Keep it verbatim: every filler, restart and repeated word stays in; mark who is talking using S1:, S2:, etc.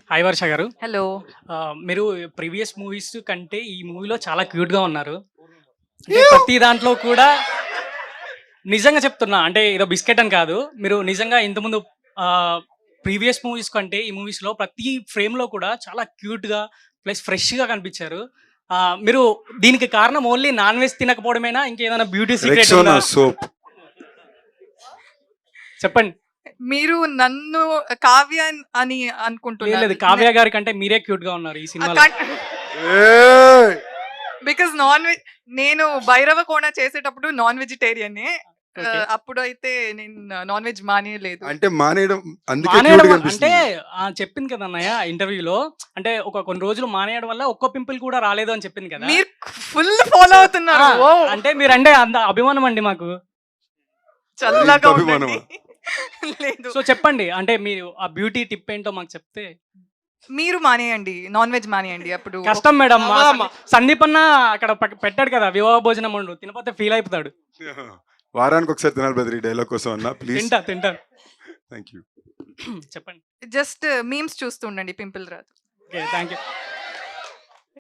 S1: Hi వర్ష గారు.
S2: Hello.
S1: ఆహ్, మీరు ప్రీవియస్ మూవీస్ కంటే ఈ మూవీలో చాలా క్యూట్‌గా ఉన్నారు. అంటే ప్రతి దాంట్లో కూడా నిజంగా చెప్తున్నా. అంటే ఏదో బిస్కెట్ అని కాదు. మీరు నిజంగా ఇంతకుముందు ఆహ్, ప్రీవియస్ మూవీస్ కంటే ఈ మూవీస్‌లో ప్రతి ఫ్రేమ్‌లో కూడా చాలా క్యూట్‌గా ప్లస్ ఫ్రెష్‌గా కనిపించారు. ఆహ్, మీరు దీనికి కారణం ఓన్లీ నాన్ వెజ్ తినకపోవడమేనా? ఇంకేదైనా బ్యూటీ సీక్రెట్ ఉందా?
S3: Rexona soap.
S1: చెప్పండి.
S2: మీరు నన్ను కావ్య అని
S1: లేదు
S2: అనుకుంటున్నారు.
S1: లేదు. కావ్య గారి కంటే మీరే క్యూట్‌గా ఉన్నారు ఈ సినిమాలో.
S3: ఏయ్!
S2: బికాజ్ నాన్ వెజ్ నేను భైరవ కోణ చేసేటప్పుడు నాన్ వెజిటేరియనే.
S1: ఓకే.
S2: అప్పుడైతే నేను నాన్ వెజ్ మానేయలేదు.
S3: అంటే మానేయడం అందుకే
S1: మానేయడం
S3: క్యూట్ గా
S1: అంటే
S3: అనిపిస్తుంది.
S1: ఆ, చెప్పింది కదా అన్నయ్య ఇంటర్వ్యూలో. అంటే ఒక కొన్ని రోజులు మానేయడం వల్ల ఒక్క పింపుల్ కూడా రాలేదు అని చెప్పింది కదా.
S2: మీరు ఫుల్ ఫాలో అవుతున్నారు.
S1: ఆ,
S2: ఓ
S1: అంటే మీరంటే అంత అభిమానం అండి మాకు.
S2: చల్లగా
S3: ఇంత
S2: ఉండండి.
S3: అభిమానమా?
S2: లేదు,
S1: సో చెప్పండి, అంటే మీరు ఆ బ్యూటీ టిప్ ఏంటో మాకు చెప్తే.
S2: మీరు మానేయండి, నాన్ వెజ్ మానేయండి. అప్పుడు
S1: కష్టం మేడం. మా
S2: అమ్మా,
S1: సందీ- సందీప్ అన్న అక్కడ పక్క- పెట్టాడు కదా వివాహ భోజనం వండు, తినపోతే ఫీల్ అయిపోతాడు.
S3: వారానికి ఒకసారి తినాలి బ్రదర్ ఈ డైలాగ్ కోసం అన్న ప్లీజ్.
S1: తింటా తింటా
S3: థ్యాంక్ యూ.
S1: చెప్పండి.
S2: జస్ట్ మీమ్స్ చూస్తూ ఉండండి, పింపుల్ రాదు.
S1: Okay, thank you.